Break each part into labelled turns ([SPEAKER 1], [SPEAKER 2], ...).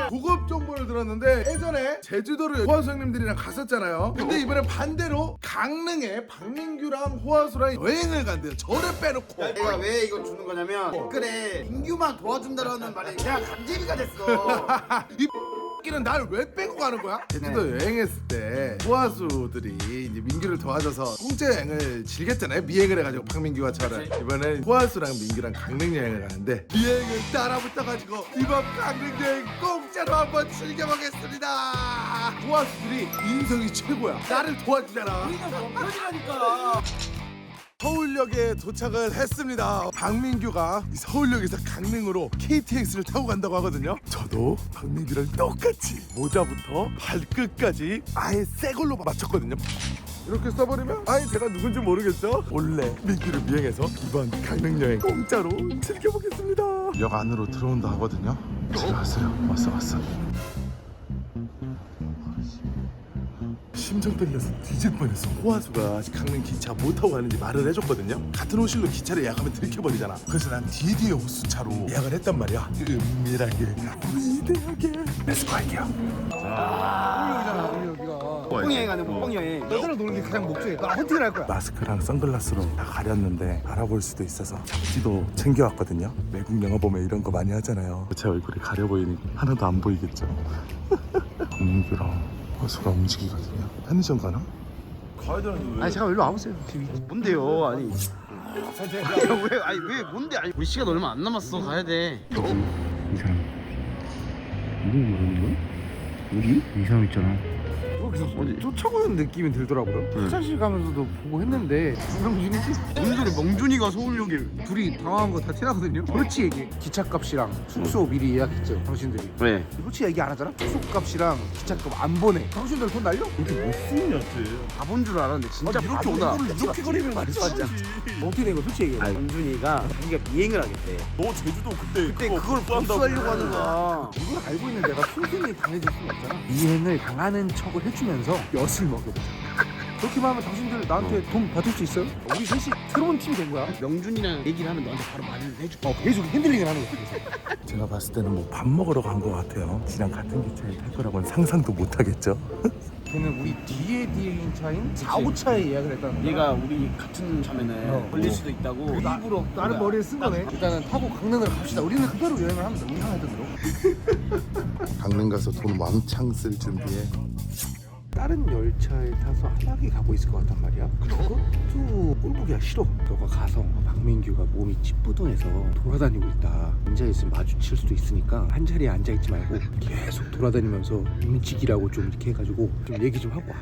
[SPEAKER 1] 고급 정보를 들었는데 예전에 제주도를 호화수 형님들이랑 갔었잖아요. 근데 이번에 반대로 강릉에 박민규랑 호화수랑 여행을 간대요. 저를 빼놓고.
[SPEAKER 2] 내가 왜 이거 주는 거냐면 댓글에 민규만 도와준다라는 말이 그냥 감재미가 됐어.
[SPEAKER 1] 이 끼는 날 왜 빼고 가는 거야? 제주도 여행했을 때 호화수들이 이제 민규를 도와줘서 공짜 여행을 즐겼잖아요. 미행을 해가지고 박민규와 저랑. 이번엔 호화수랑 민규랑 강릉 여행을 가는데 미행을 따라 붙어가지고 이번 강릉 여행 공짜로 한번 즐겨보겠습니다. 호화수들이 인성이 최고야. 나를 도와주잖아.
[SPEAKER 2] 우리가 원편이라니까.
[SPEAKER 1] 서울역에 도착을 했습니다. 박민규가 이 서울역에서 강릉으로 KTX를 타고 간다고 하거든요. 저도 박민규랑 똑같이 모자부터 발끝까지 아예 새 걸로 맞췄거든요. 이렇게 써버리면 아예 제가 누군지 모르겠죠? 원래 민규를 미행해서 이번 강릉 여행 공짜로 즐겨보겠습니다. 역 안으로 들어온다 하거든요. 들어왔어요. 왔어. 심장 떨려서 뒤질 뻔했어. 호화수가 강릉 기차 못 타고 가는지 말을 해줬거든요. 같은 호실로 기차를 예약하면 들켜버리잖아. 그래서 난 뒤에 호수차로 예약을 했단 말이야. 은밀하게 위대하게 렛츠고 할게요.
[SPEAKER 2] 목봉여행 하는 목봉여행.
[SPEAKER 3] 여자랑 노는 게 가장 목적이야. 나 헌팅을 할 거야.
[SPEAKER 1] 마스크랑 선글라스로 다 가렸는데 알아볼 수도 있어서 잡지도 챙겨왔거든요. 외국 영화 보면 이런 거 많이 하잖아요. 제 얼굴이 가려 보이니까 하나도 안 보이겠죠. 박민규랑 호수가 움직이거든요. 편의점 가나?
[SPEAKER 3] 아니 잠깐 일로 와보세요.
[SPEAKER 2] 뭔데요? 아니. 왜 뭔데? 아니 우리 시간 얼마 안 남았어. 가야 돼.
[SPEAKER 4] 이 사람 누구 모르는 거야? 우리? 이 사람 있잖아.
[SPEAKER 3] 쫓아오는 느낌이 들더라고요. 화장실 가면서도 보고 했는데 명준이지?
[SPEAKER 2] 뭔 소리? 명준이가 서울역에.
[SPEAKER 3] 둘이 당황한 거 다 티나거든요. 솔직히 얘기해. 기차값이랑 숙소 미리 예약했죠 당신들이.
[SPEAKER 2] 왜?
[SPEAKER 3] 솔직히 얘기 안 하잖아? 숙소값이랑 기차값 안 보내. 당신들 돈 날려?
[SPEAKER 2] 바본 줄 알았는데 진짜 바보다.
[SPEAKER 3] 이렇게 거리면 말이지. 어떻게 된 거야 솔직히 얘기해.
[SPEAKER 2] 명준이가 자기가 미행을 하겠대.
[SPEAKER 1] 너 제주도 그때
[SPEAKER 2] 그걸 복수하려고 하는 거야.
[SPEAKER 3] 이걸 알고 있는 내가 평생이 강해질 수는 없잖아. 이행을 당하는 척을 해주면서 엿을 먹여보자. 그렇게만 하면 당신들 나한테 돈 받을 수 있어요? 우리 셋이 새로운 팀이 된 거야.
[SPEAKER 2] 명준이랑 얘기를 하면 너한테 바로 말을 해줄게.
[SPEAKER 3] 계속 핸들링을 하는 거야.
[SPEAKER 1] 제가 봤을 때는 뭐 밥 먹으러 간 것 같아요. 지랑 같은 기차에 탈 거라고는 상상도 못 하겠죠.
[SPEAKER 3] 걔는 우리 뒤에 차인 4, 5차에 예약을 했다는 거야.
[SPEAKER 2] 얘가 우리 같은 차면은 걸릴 수도 있다고.
[SPEAKER 3] 일부러 다른 머리를 쓴 거네. 일단은 타고 강릉을 갑시다. 우리는 그대로 여행을 하면 돼. 우리 상하던 대로.
[SPEAKER 1] 강릉 가서 돈 왕창 쓸 준비해.
[SPEAKER 3] 다른 열차에 타서 한약에 가고 있을 것 같단 말이야. 그것도 꼴보기가 싫어. 너가 가서 박민규가 몸이 찌뿌둥해서 돌아다니고 있다. 앉아있으면 마주칠 수도 있으니까 한 자리에 앉아있지 말고 계속 돌아다니면서 움직이라고 좀 이렇게 해가지고 좀 얘기 좀 하고 와.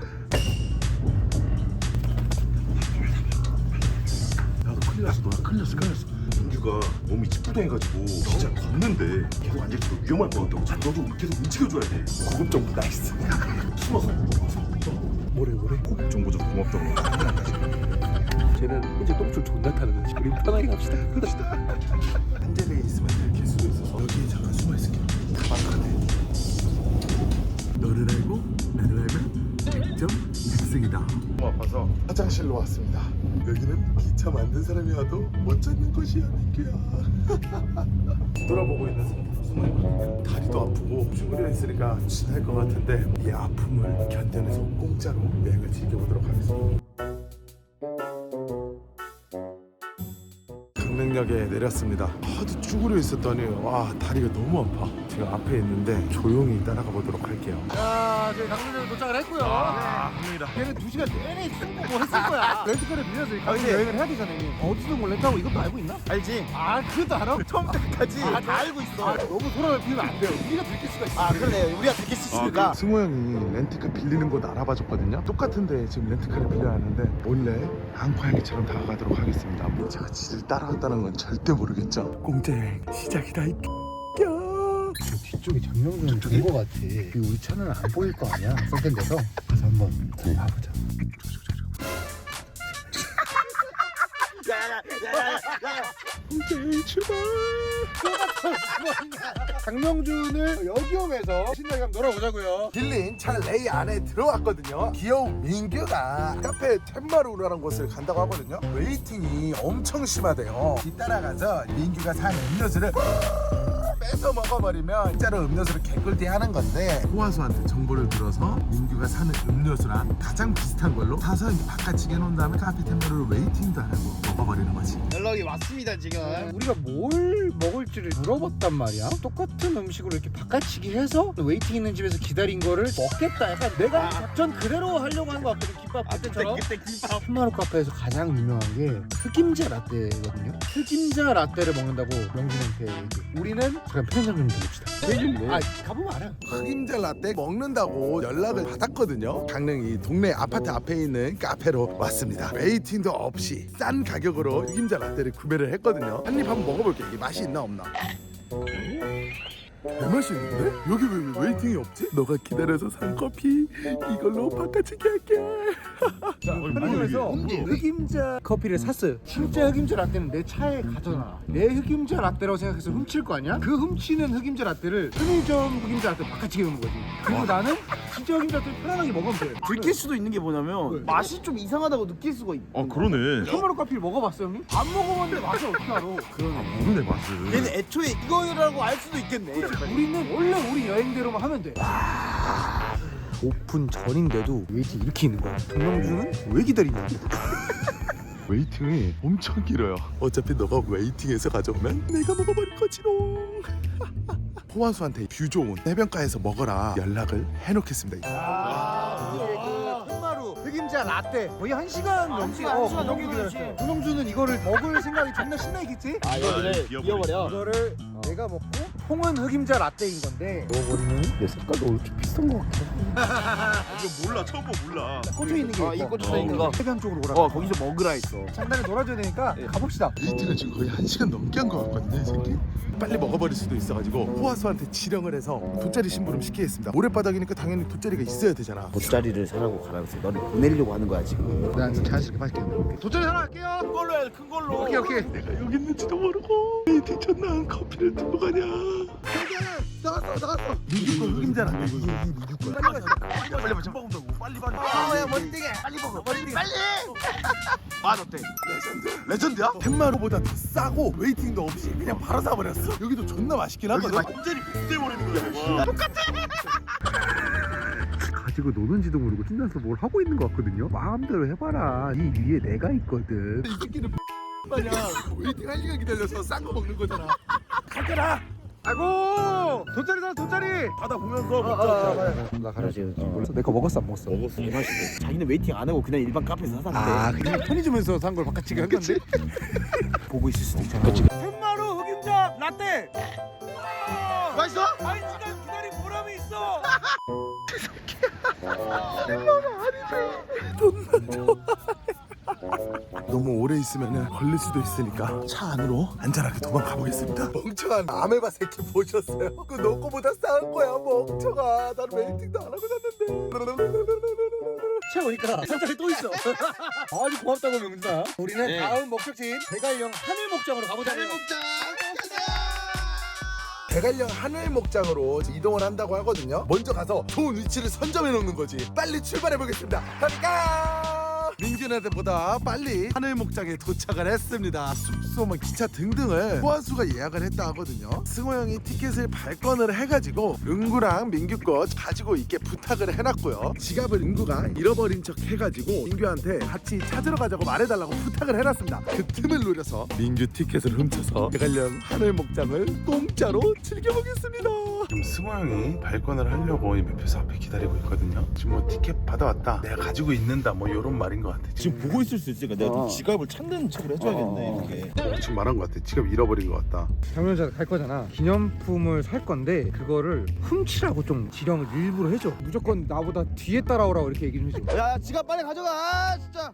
[SPEAKER 1] 나도 큰일 났어. 큰일 났어. 민규가 몸이 찌뿌둥해가지고 진짜 걷는데 계속 앉아있으면 위험할 것 같다고. 너도 계속 움직여줘야 돼. 고급 정보 나이스. 숨어서.
[SPEAKER 3] 뭐래?
[SPEAKER 1] 고급 정보 좀 고맙다고.
[SPEAKER 3] 쟤는 현재 똥줄 존나 타는 거지. 우리 편하게 갑시다.
[SPEAKER 1] 한 자리에 있으면 들킬 수도 있어서 여기에 잠깐 숨어있을게. 가방카네. 너를 알고 나를 알면 100점 백승이다. 너무 아파서 화장실로 왔습니다. 여기는 기차 만든 사람이 와도 못 찾는 곳이야 민규야. 돌아보고 있는 숨어있거든요. 다리도 아프고 쭈그려 있으니까 지날 것 같은데 이 아픔을 견뎌내서 공짜로 여행을 즐겨보도록 하겠습니다. 강릉역에 내렸습니다. 하도 쭈그려 있었더니 와 다리가 너무 아파. 제가 앞에 있는데 조용히 따라가 보도록 할게요.
[SPEAKER 3] 자, 저희 강릉역에 도착을 했고요.
[SPEAKER 1] 갑니다.
[SPEAKER 3] 걔는 2시간 내내 승부 뭐 했을 거야. 렌트카를 빌려서 강릉 여행을 해야 되잖아. 어디서 뭘 렌트하고 이것도 알고 있나?
[SPEAKER 2] 알지?
[SPEAKER 3] 아, 그것도 알아?
[SPEAKER 2] 처음부터 끝까지 다 알고 있어.
[SPEAKER 3] 너무 소란을 피우면 안 돼요. 우리가 들킬 수가 있어.
[SPEAKER 2] 그러네. 우리가 듣길 수 있으니까.
[SPEAKER 1] 승호 형이 렌트카 빌리는 곳 알아봐줬거든요. 똑같은데 지금 렌트카를 빌려야 하는데 몰래 한파일기처럼 다가가도록 하겠습니다. 제가 지를 따라왔다는 건 절대 모르겠죠. 공짜 여행 시작이다 이
[SPEAKER 3] 뒤쪽에 장명준 본거 같아. 우리 차는 안 보일 거 아니야. 썩된 데서 가서 한번 봐보자.
[SPEAKER 1] 출발.
[SPEAKER 3] 장명준을 여기홈에서 신나게 한번 놀아보자고요.
[SPEAKER 1] 빌린 차 레이 안에 들어왔거든요. 귀여운 민규가 카페 템마루라는 곳을 간다고 하거든요. 웨이팅이 엄청 심하대요. 뒤따라가서 민규가 산 음료수를 뺏어 먹어버리면 진짜로 음료수를 개꿀띠 하는 건데 호화수한테 정보를 들어서 민규가 사는 음료수랑 가장 비슷한 걸로 사서 이제 바깥치게 해놓은 다음에 카페 템포를 웨이팅도 안 하고 먹어버리는 거지.
[SPEAKER 2] 연락이 왔습니다 지금.
[SPEAKER 3] 우리가 뭘 먹을지를 물어봤단 말이야. 똑같은 음식으로 이렇게 바깥치기 해서 웨이팅 있는 집에서 기다린 거를 먹겠다. 약간 내가 작전 그대로 하려고 한 거 같거든. 김밥 그때처럼.
[SPEAKER 2] 그때 김밥.
[SPEAKER 3] 흑마루 카페에서 가장 유명한 게 흑임자 라떼거든요. 흑임자 라떼를 먹는다고 명진한테 얘기해. 우리는 그럼 편의점 좀 들읍시다. 아 가보면 알아.
[SPEAKER 1] 흑임자 라떼 먹는다고 연락을 받았거든요. 강릉 이 동네 아파트 앞에 있는 카페로 왔습니다. 웨이팅도 없이 싼 가격으로 흑임자 라떼를 구매를 했거든요. 한 입 한번 먹어볼게요. 이게 맛이 있나 없나. 개맛있는데? 여기 왜 웨이팅이 없지? 너가 기다려서 산 커피 이걸로 바깥치기 할게.
[SPEAKER 3] 편의점에서 흑임자 커피를 샀어요. 진짜 흑임자 라떼는 내 차에 가져놔. 내 흑임자 라떼라고 생각해서 훔칠 거 아니야? 그 훔치는 흑임자 라떼를 편의점 흑임자 라떼 바깥치기 넣는 거지. 그리고 나는 진짜 흑임자 라떼를 편안하게 먹으면 돼.
[SPEAKER 2] 들킬 수도 있는 게 뭐냐면
[SPEAKER 3] 왜?
[SPEAKER 2] 맛이 좀 이상하다고 느낄 수가 있.
[SPEAKER 5] 그러네.
[SPEAKER 3] 흑마루 커피를 먹어봤어 형님? 안 먹어봤는데 맛을 어떻게 알아?
[SPEAKER 5] 모르네 맛을.
[SPEAKER 2] 얘는 애초에 이거라고 알 수도 있겠네.
[SPEAKER 3] 우리는 원래 우리 여행대로만 하면 돼. 오픈 전인데도 웨이팅 이렇게 있는 거야. 정명준은 왜 기다리냐?
[SPEAKER 1] 웨이팅이 엄청 길어요. 어차피 너가 웨이팅해서 가져오면 내가 먹어버릴 거지롱. 호환수한테 뷰 좋은 해변가에서 먹어라 연락을 해놓겠습니다.
[SPEAKER 3] 이게 그 흑마루 흑임자 라떼 거의 1시간 넘게
[SPEAKER 2] 한 시간 넘게
[SPEAKER 3] 기다렸어.
[SPEAKER 2] 기다렸지.
[SPEAKER 3] 정명준은 이거를 먹을 생각이 존나 신나겠지?
[SPEAKER 2] 이거를 이어버려.
[SPEAKER 3] 이거를 내가 먹고 통은 흑임자 라떼인 건데 먹어버리면 내 색깔도 이렇게 비슷한 거 같아.
[SPEAKER 5] 이거 몰라 처음 봐 몰라.
[SPEAKER 3] 꽂혀 있는 게
[SPEAKER 2] 이
[SPEAKER 3] 있고.
[SPEAKER 2] 꽂혀 있는 거.
[SPEAKER 3] 해변 쪽으로 오라.
[SPEAKER 2] 거기서 먹으라 했어.
[SPEAKER 3] 장난에 놀아줘야 되니까 가봅시다.
[SPEAKER 1] 웨이팅을 지금 거의 1시간 넘게 한 것 같거든요, 이 새끼. 빨리 먹어버릴 수도 있어가지고 호환수한테 지령을 해서 돗자리 심부름 시키겠습니다. 모래바닥이니까 당연히 돗자리가 있어야 되잖아.
[SPEAKER 2] 돗자리를 사라고 가라고 해서 너를 보내려고 하는 거야 지금.
[SPEAKER 3] 난 자연스럽게 맛있게 돗자리 하나 할게요.
[SPEAKER 2] 큰 걸로 해, 큰 걸로.
[SPEAKER 3] 오케이.
[SPEAKER 1] 내가 여기 있는지도 모르고 웨이팅 첫날 커피를 두고 가냐. 나갔어. 민규 거 흑임자라. 이거 민규 거야.
[SPEAKER 5] 빨리 봐 금방 온다고. 빨리 봐.
[SPEAKER 2] 야 머리띠게 빨리 먹어. 머리띠게 빨리. 맛 어때?
[SPEAKER 1] 레전드야? 햇마루보다 더 싸고 웨이팅도 없이 그냥 바로 사버렸어. 여기도 존나 맛있긴 하거든.
[SPEAKER 5] 완전히 빗대버리는 거야.
[SPEAKER 3] 가지고 노는지도 모르고 신나서 뭘 하고 있는 것 같거든요. 마음대로 해봐라. 이 위에 내가 있거든.
[SPEAKER 1] 이 새끼는 마냥 웨이팅 1시간 기다려서 싼 거 먹는 거잖아. 가져라.
[SPEAKER 3] 아이고 돗자리
[SPEAKER 5] 바다 보면서 먹자.
[SPEAKER 3] 나 가라지. 내 거 먹었어 안 먹었어?
[SPEAKER 5] 먹었어.
[SPEAKER 2] 자기는 웨이팅 안 하고 그냥 일반 카페에서 사는데
[SPEAKER 3] 그냥 편의점에서 산 걸 바깥치기 한 건데.
[SPEAKER 2] 보고 있을 수도 있잖아.
[SPEAKER 3] 흑마루 흑임자 라떼.
[SPEAKER 2] 맛있어?
[SPEAKER 3] 1시간 기다린 보람이 있어.
[SPEAKER 1] 너무 오래 있으면 걸릴 수도 있으니까 차 안으로 안전하게 도망가 보겠습니다. 멍청한 아메바 새끼 보셨어요? 그거 너 거보다 싼 거야 멍청아. 난 웨이팅도 안 하고 샀는데.
[SPEAKER 3] 차 오니까 산자리 또 있어. 아주 고맙다고 명준아. 우리는 다음 목적지인 대관령 하늘 목장으로 가보자.
[SPEAKER 1] 대관령 하늘 목장으로 이동을 한다고 하거든요. 먼저 가서 좋은 위치를 선점해 놓는 거지. 빨리 출발해 보겠습니다. 가니까 민규네들보다 빨리 하늘 목장에 도착을 했습니다. 숙소, 기차 등등을 호환수가 예약을 했다 하거든요. 승호 형이 티켓을 발권을 해가지고 은구랑 민규 거 가지고 있게 부탁을 해놨고요. 지갑을 은구가 잃어버린 척 해가지고 민규한테 같이 찾으러 가자고 말해달라고 부탁을 해놨습니다. 그 틈을 노려서 민규 티켓을 훔쳐서 대관령 하늘 목장을 공짜로 즐겨보겠습니다. 지금 승호 형이 발권을 하려고 매표소 앞에 기다리고 있거든요. 지금 뭐 티켓 받아왔다, 내가 가지고 있는다, 뭐 이런 말인 것 같아.
[SPEAKER 5] 지금 보고 있을 수 있으니까 내가 좀 지갑을 찾는 척을 해줘야겠네 이렇게.
[SPEAKER 1] 지금 말한 것 같아. 지갑 잃어버린 것 같다.
[SPEAKER 3] 경연자 갈 거잖아. 기념품을 살 건데 그거를 훔치라고 좀 지령을 일부러 해줘. 무조건 나보다 뒤에 따라오라고 이렇게 얘기 좀 해줘.
[SPEAKER 2] 야 지갑 빨리 가져가 진짜.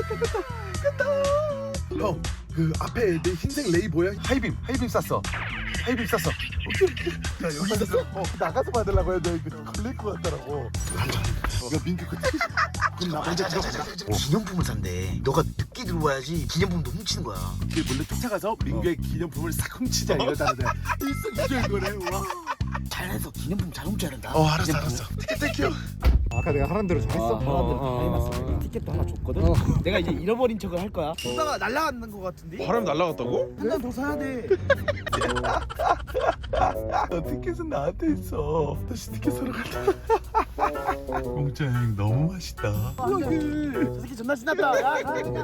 [SPEAKER 1] 형, 그 앞에 내 흰색 레이 보여? 하이빔 쐈어. 하이빔 쐈어. 오케이. 야 여기 있었어. 나가서 받으려고 해도 이거 걸릴 것 같더라고. 야 민규 그
[SPEAKER 2] 그럼 나 먼저 들어가자. 기념품을 산대. 너가 늦게 들어와야지 기념품도 훔치는 거야.
[SPEAKER 1] 이게 몰래 쫓아가서 민규의 기념품을 싹 훔치자 이러다는데 일석이조인 거네. 와.
[SPEAKER 2] 잘해서 기념품 잘 훔쳐야 된다.
[SPEAKER 1] 알았어. 땡큐.
[SPEAKER 3] 아까 내가 하란 대로 잘했어?
[SPEAKER 2] 사람들 다 해놨어. 티켓도 하나 줬거든. 내가 이제 잃어버린 척을 할 거야. 쓰다가 날라가는 거 같은데.
[SPEAKER 5] 바람 날라갔다고?
[SPEAKER 2] 한 잔 더 사야 돼.
[SPEAKER 1] 티켓은 나한테 있어. 다시 티켓 사러 간다. 공짜 여행 너무 맛있다.
[SPEAKER 2] 저 새끼 존나 신났다. 야,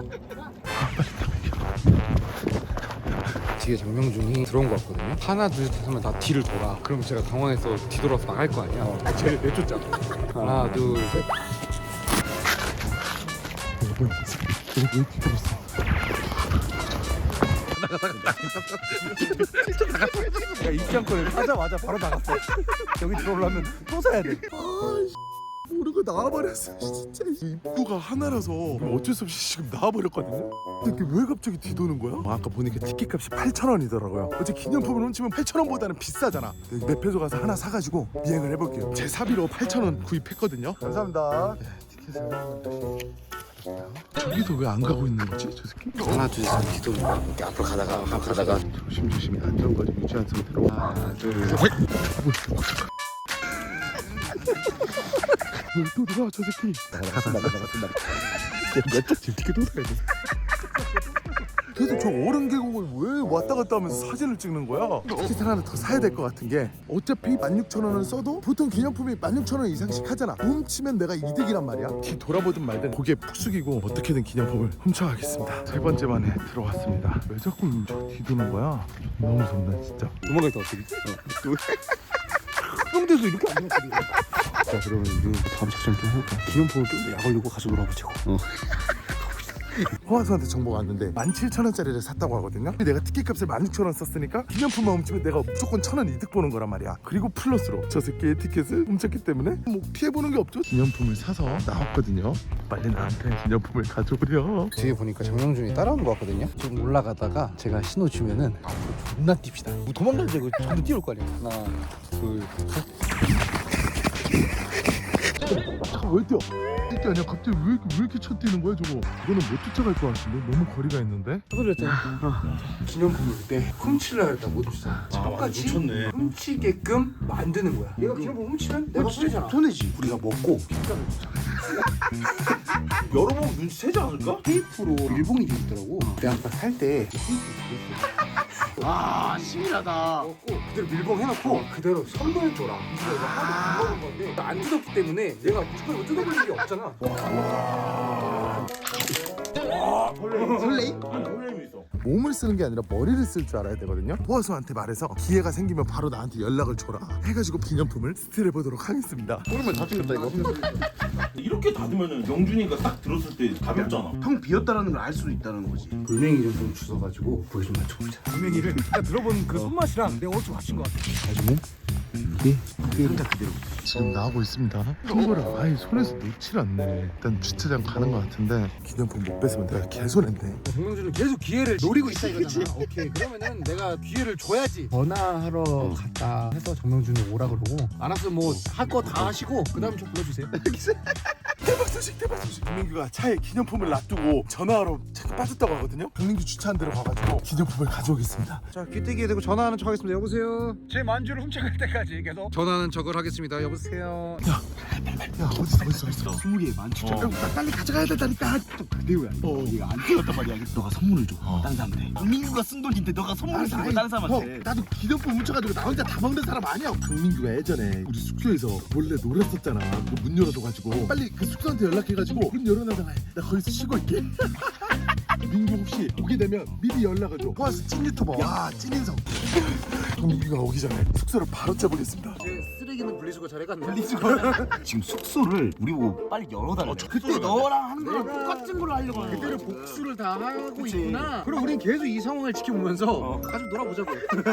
[SPEAKER 3] 뒤에 장명준이 들어온 거 같거든요. 하나 둘 셋 하면 다 뒤를 돌아. 그럼 제가 당황해서 뒤돌아서 나갈 거 아니야. 쟤를 내쫓자. 하나 둘 셋. 야, 입장권을 하자마자 바로 나갔어. 여기 들어오려면 또 사야 돼.
[SPEAKER 1] 모르고 나와버렸어. 진짜 입구가 하나라서 어쩔 수 없이 지금 나와버렸거든요. 근데 이게 왜 갑자기 뒤도는 거야? 아까 보니까 티켓값이 8,000원이더라고요. 어제 기념품을 훔치면 8,000원보다는 비싸잖아. 맵에서 가서 하나 사가지고 비행을 해볼게요. 제 사비로 8,000원 구입했거든요. 감사합니다. 티켓을 저기서 왜 안 가고 있는 거지? 저 새끼?
[SPEAKER 3] 하나 둘 셋 뒤돌고 이렇게 앞으로 가다가
[SPEAKER 1] 조심조심히 안전거리 유지한 상태로
[SPEAKER 3] 하나 둘 셋.
[SPEAKER 1] 또 들어와 저 새끼. 지금 티켓 또 사야 돼. 그래도 저 어른 계곡을 왜 왔다 갔다 하면서 사진을 찍는 거야? 티켓을 하나 더 사야 될 것 같은 게 어차피 16,000원을 써도 보통 기념품이 16,000원 이상씩 하잖아. 훔치면 내가 이득이란 말이야. 뒤 돌아보든 말든 고개 푹 숙이고 어떻게든 기념품을 훔쳐가겠습니다. 세 번째 만에 들어왔습니다. 왜 자꾸 저 뒤도는 거야? 너무 무섭네 진짜.
[SPEAKER 3] 도망가겠다 어떻게? 뿅돼서 이렇게 안 나왔거든. 자 그러면 우리 다음 작전 좀 해볼까? 기념품을 좀 더 약 올리고 가지고 놀아보자고.
[SPEAKER 1] 호화수한테 정보가 왔는데 17,000원짜리를 샀다고 하거든요. 내가 티켓값을 16,000원 썼으니까 기념품만 훔치면 내가 무조건 1,000원 이득 보는 거란 말이야. 그리고 플러스로 저 새끼의 티켓을 훔쳤기 때문에 뭐 피해보는 게 없죠. 기념품을 사서 나왔거든요. 빨리 나한테 기념품을 가져오려.
[SPEAKER 3] 뒤에 보니까 장명준이 따라오는 거 같거든요. 좀 올라가다가 제가 신호 주면은 앞으로 존나 뜁시다. 뭐 도망가는데 이거 전부 뛰어올 거 아니야. 하나 둘 셋.
[SPEAKER 1] 잠깐 왜 뛰어? 이게 아니야. 갑자기 왜 이렇게 쳐 뛰는 거야 저거? 이거는 못 쫓아갈 것 같은데? 너무 거리가 있는데?
[SPEAKER 3] 그랬잖아. 기념품을 그때 훔치려 했다 못 훔치잖아. 똑같이
[SPEAKER 5] 놓쳤네.
[SPEAKER 3] 훔치게끔 만드는 거야. 얘가 기념품 훔치면 내가 손해잖아.
[SPEAKER 2] 손해지.
[SPEAKER 3] 우리가 먹고
[SPEAKER 5] 여러 번 눈치채지 않을까?
[SPEAKER 3] 테이프로 일봉이 돼 있더라고. 내가 아까 살 때
[SPEAKER 2] 아, 심이하다.
[SPEAKER 3] 먹고 그대로 밀봉 해놓고 그대로 선물 줘라. 이거 내가 하도 안 먹은 건데 안 뜯었기 때문에 내가 무조건 이거 뜯어볼 일이 없잖아.
[SPEAKER 2] 설레이?
[SPEAKER 5] 설렘이 있어.
[SPEAKER 1] 몸을 쓰는 게 아니라 머리를 쓸 줄 알아야 되거든요. 호화수한테 말해서 기회가 생기면 바로 나한테 연락을 줘라 해가지고 기념품을 스틸해보도록 하겠습니다.
[SPEAKER 3] 그러면 다 찍었다 이거.
[SPEAKER 5] 이렇게 닫으면은 영준이가 딱 들었을 때 가볍잖아.
[SPEAKER 2] 형 비었다라는 걸 알 수도 있다는 거지.
[SPEAKER 3] 돌멩이 좀 주워가지고 보여 좀 맞춰보자. 돌멩이를 내가 들어본 그 손맛이랑 내가 어디서 맞춘 것 같아.
[SPEAKER 1] 가지고 이게 지금 나오고 있습니다. 친구를 아예 손에서 놓질 않네. 일단 주차장 가는 것 같은데 기념품 못 뺏으면 내가 개손했네.
[SPEAKER 3] 정명준은 계속 기회를 노리고 있다 이거잖아. 오케이 그러면은 내가 기회를 줘야지. 전화하러 갔다 해서 정명준이 오라 그러고 알았어 뭐 할 거 다 하시고 그 다음에 좀 불러주세요.
[SPEAKER 1] 대박 소식 대박 소식. 강민규가 차에 기념품을 놔두고 전화하러 차가 빠졌다고 하거든요. 강민규 주차한 데로 가가지고 기념품을 가져오겠습니다.
[SPEAKER 3] 자 귀때기에 대고 전화하는 척 하겠습니다. 여보세요. 제 만주를 훔쳐갈 때까지 계속 전화하는 척을 하겠습니다. 여보세요.
[SPEAKER 1] 야 어딨어
[SPEAKER 2] 20개 만추천.
[SPEAKER 1] 빨리 가져가야 된다니까.
[SPEAKER 2] 내우야. 얘가 안 찍었단 말이야. 너가 선물을 줘. 다른 사람한테. 강민규가 쓴 돈인데 너가 선물을 주고 다른 사람한테.
[SPEAKER 1] 나도 기념품 훔쳐가지고 나 혼자 다 먹는 사람 아니야. 강민규가 예전에 우리 숙소에서 몰래 놀았었잖아. 문 열어줘가지고 빨리 그 숙소한테 연락해가지고 문 열어놔달라 해. 나 거기서 쉬고 있게. 민규 혹시 오게 되면 미리 연락을 줘. 호화수 찐 유튜버. 와 찐인성. 민규가 오기 전에 숙소를 바로 짜보겠습니다.
[SPEAKER 3] 제 쓰레기는 분리수거 잘해갔네.
[SPEAKER 2] 지금 숙소를 우리 보고 빨리 열어달래. 그때 너랑 하는 거랑 똑같은 걸 하려고 하는 거야.
[SPEAKER 3] 그때를 복수를 다 하고
[SPEAKER 2] 그치.
[SPEAKER 3] 있구나. 그럼 우린 계속 이 상황을 지켜보면서 가지고 놀아보자고.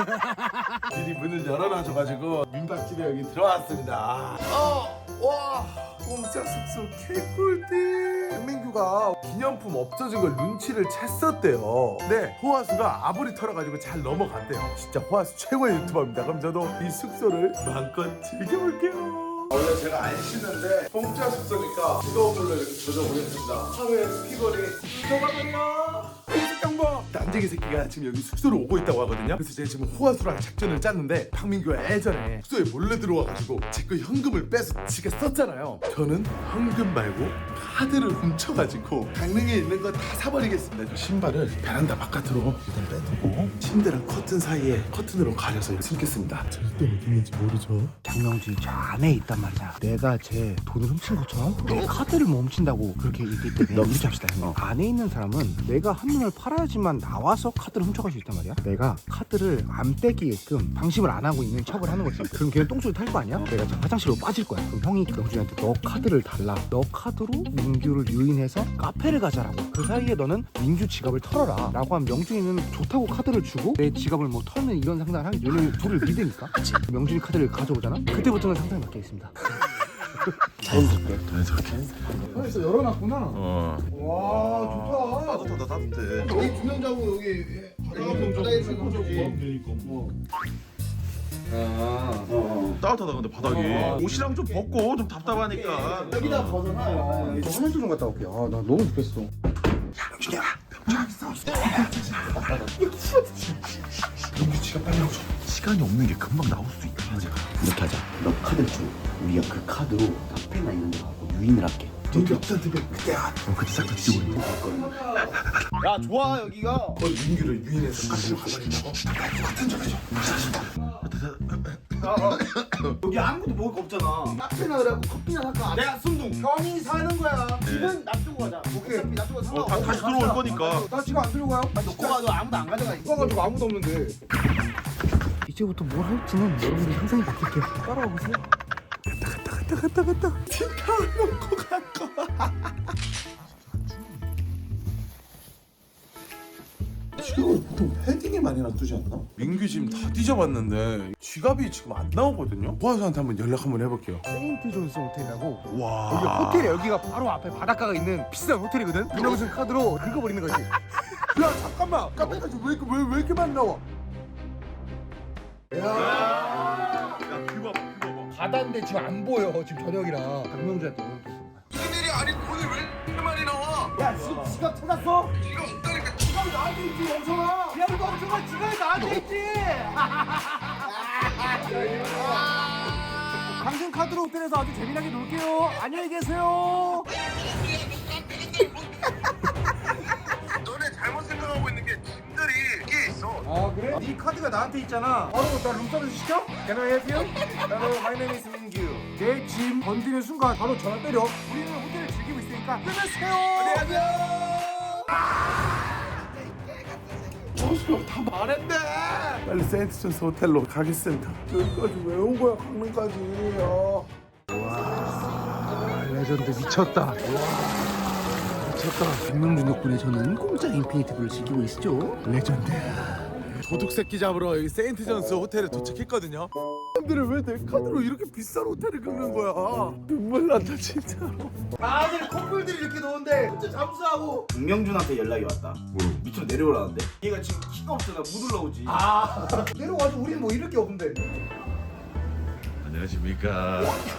[SPEAKER 1] 미리 문을 열어놔줘가지고 민박집에 여기 들어왔습니다. 와 공짜 숙소 개꿀띠. 강민규가 기념품 없어진 걸 눈치를 챘었대요. 네 호화수가 아부리 털어가지고 잘 넘어갔대요. 진짜 호화수 최고의 유튜버입니다. 그럼 저도 이 숙소를 마음껏 즐겨볼게요. 원래 제가 안 씻는데 공짜 숙소니까 뜨거운 물로 이렇게 젖어보겠습니다. 하루에 피곤이 들어가면요. 공식 정보 다 남자기 새끼가 지금 여기 숙소로 오고 있다고 하거든요. 그래서 제가 지금 호화수랑 작전을 짰는데 박민규가 예전에 숙소에 몰래 들어와가지고 제 거 현금을 빼서 지가 썼잖아요. 저는 현금 말고 카드를 훔쳐가지고 강릉에 있는 거 다 사버리겠습니다. 저 신발을 베란다 바깥으로 일단 빼두고 침대랑 커튼 사이에 커튼으로 가려서 숨겠습니다. 절대 어디 있는지 모르죠.
[SPEAKER 3] 장명준이 저 안에 있단 말이야. 내가 제 돈을 훔친 것처럼 내 카드를 뭐 훔친다고 그렇게 얘기했기 때문에 이렇게 합시다. 안에 있는 사람은 내가 한눈을 팔아야지만 나와서 카드를 훔쳐갈 수 있단 말이야. 내가 카드를 안 빼기게끔 방심을 안 하고 있는 척을 하는 거지. 그럼 걔는 똥소리 탈 거 아니야? 내가 저 화장실로 빠질 거야. 그럼 형이 명준이한테 너 카드를 달라. 너 카드로 민규를 유인해서 카페를 가자라고. 그 사이에 너는 민규 지갑을 털어라 라고 하면 명준이는 좋다고 카드를 주고 내 지갑을 뭐 털면 이런 상상을 하기 얘는 둘을 믿으니까. 명준이 카드를 가져오잖아. 그때부터는 상상이 바뀌겠습니다. 자연스럽게.
[SPEAKER 1] 그래서 열어놨구나.
[SPEAKER 5] 와
[SPEAKER 1] 좋다.
[SPEAKER 5] 따뜻하다 따뜻해.
[SPEAKER 1] 여기 두 명 자고 여기 바닥에서
[SPEAKER 5] 따뜻하다 근데 바닥이. 옷이랑 좀 벗고 좀 답답하니까.
[SPEAKER 3] 여기다 벗어놔요. 저 화장실 좀 갔다 올게요. 아, 나 너무 급했어.
[SPEAKER 1] 명규치가 빨리 오죠.
[SPEAKER 5] 시간이 없는 게 금방 나올 수 있다.
[SPEAKER 3] 이렇게 하자. 너 카드를 줘. 우리가 그 카드로 카페나 있는 데 가고 유인을 할게.
[SPEAKER 5] 그때 싹 다 뒤지고 있는
[SPEAKER 2] 야 좋아 여기가.
[SPEAKER 1] 거의 민규를 유인해서 카드를 가버린다고? 같은 줄 알죠?
[SPEAKER 2] 여기 아무것도 먹을 거 없잖아.
[SPEAKER 3] 카페나 그래갖고 커피나 살까?
[SPEAKER 2] 내가 순둥.
[SPEAKER 3] 형이 사는 거야.
[SPEAKER 2] 집은 놔두고 가자.
[SPEAKER 3] 오케이.
[SPEAKER 2] 어차피 놔두고 상관없어.
[SPEAKER 5] 다시 들어올 거니까.
[SPEAKER 3] 나 지금 안 들고 가요?
[SPEAKER 2] 놓고 가도 아무도 안 가져가.
[SPEAKER 3] 이거 가지고 아무도 없는데. 이제부터 뭘 할지는 여러분들이 상상이 바뀔게요. 따라와 보세요. 갔다.
[SPEAKER 1] ทิ้가을 놓고 갈 거야. 지갑을 보통 패딩에 많이 놔두지 않나? 민규 지금 다 뒤져봤는데 지갑이 지금 안 나오거든요. 보안사한테 한번 연락 한번 해볼게요.
[SPEAKER 3] 세인트 존스 호텔이라고. 여기
[SPEAKER 5] 와.
[SPEAKER 3] 호텔에 여기가 바로 앞에 바닷가가 있는 비싼 호텔이거든. 윤영순 카드로 긁어버리는 거지.
[SPEAKER 1] 야 잠깐만. 카페까지 왜 이렇게 많이 나와?
[SPEAKER 5] 야 그거 봐.
[SPEAKER 3] 바다인데 지금 안 보여. 지금 저녁이라. 박명주한테.
[SPEAKER 1] 무슨 일이 아니 돈이 왜 이렇게 많이 나와?
[SPEAKER 2] 야 지갑 찾았어?
[SPEAKER 1] 지갑 없다니까.
[SPEAKER 2] 지갑이 나한테 있지 멍청아. 야 이거 멍청아 지갑이 나한테 있지. 당신 카드로 호텔에서 아주 재미나게 놀게요. 안녕히 계세요.
[SPEAKER 1] 너네 잘못 생각하고 있는 게 짐들이 이게 있어.
[SPEAKER 3] 아 그래? 네 카드가 나한테 있잖아. 바로 나 룸서비스 시켜? Can I help you? Hello, my name is 민규. 내 짐 건드리는 순간 바로 전화 때려. 우리는 호텔을 즐기고 있으니까 끊으세요. 안녕하세요.
[SPEAKER 1] 다 말했네. 빨리 세인트존스 호텔로 가겠습니다. 여기까지 왜 온 거야 강릉까지?
[SPEAKER 3] 와 레전드 미쳤다. 미쳤다. 박명준 덕분에 저는 공짜 인피니티 블을 즐기고 있죠.
[SPEAKER 1] 레전드. 도둑 새끼 잡으러 여기 세인트존스 호텔에 도착했거든요. 사람들은 왜 내 카드로 이렇게 비싼 호텔을 긁는 거야? 눈물 난다 진짜로.
[SPEAKER 2] 다들 커플들이 이렇게 노는데 혼자 잠수하고. 박명준한테 연락이 왔다. 밑으로 내려오라는데. 얘가 지금 키가 없잖아. 못 올라오지.
[SPEAKER 3] 내려와도 우리는 뭐 잃을 게 없는데.
[SPEAKER 5] 안녕하십니까.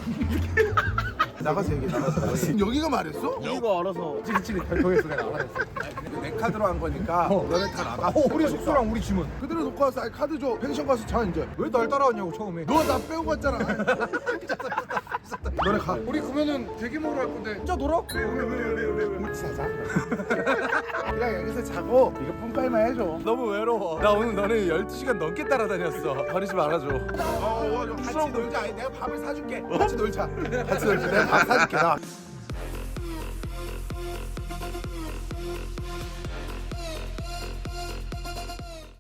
[SPEAKER 1] 나가서 얘기해. 나가서. 여기가 말했어?
[SPEAKER 2] 이거 알아서.
[SPEAKER 3] 찌릿찌릿 결정했어. 내가 알아냈어.
[SPEAKER 1] 내 카드로 한 거니까 너네 다 나가.
[SPEAKER 3] 우리 숙소랑 우리 짐은.
[SPEAKER 1] 그대로 놓고 와서 카드 줘. 펜션 가서 자 이제.
[SPEAKER 3] 왜 날 따라왔냐고 처음에.
[SPEAKER 1] 너 나 빼고 갔잖아. 너네 가.
[SPEAKER 3] 우리 그러면은 대게 먹으러 갈 건데 진짜 놀아?
[SPEAKER 1] 우리 자자. 그냥 여기서 자고 이거 뿜빨만 해줘. 너무 외로워. 나 오늘 너네 12시간 넘게 따라다녔어. 버리지 말아줘. 같이 놀자. 내가 밥을 사줄게. 같이 놀자. 같이 놀자. 내가 밥 사줄게. 나.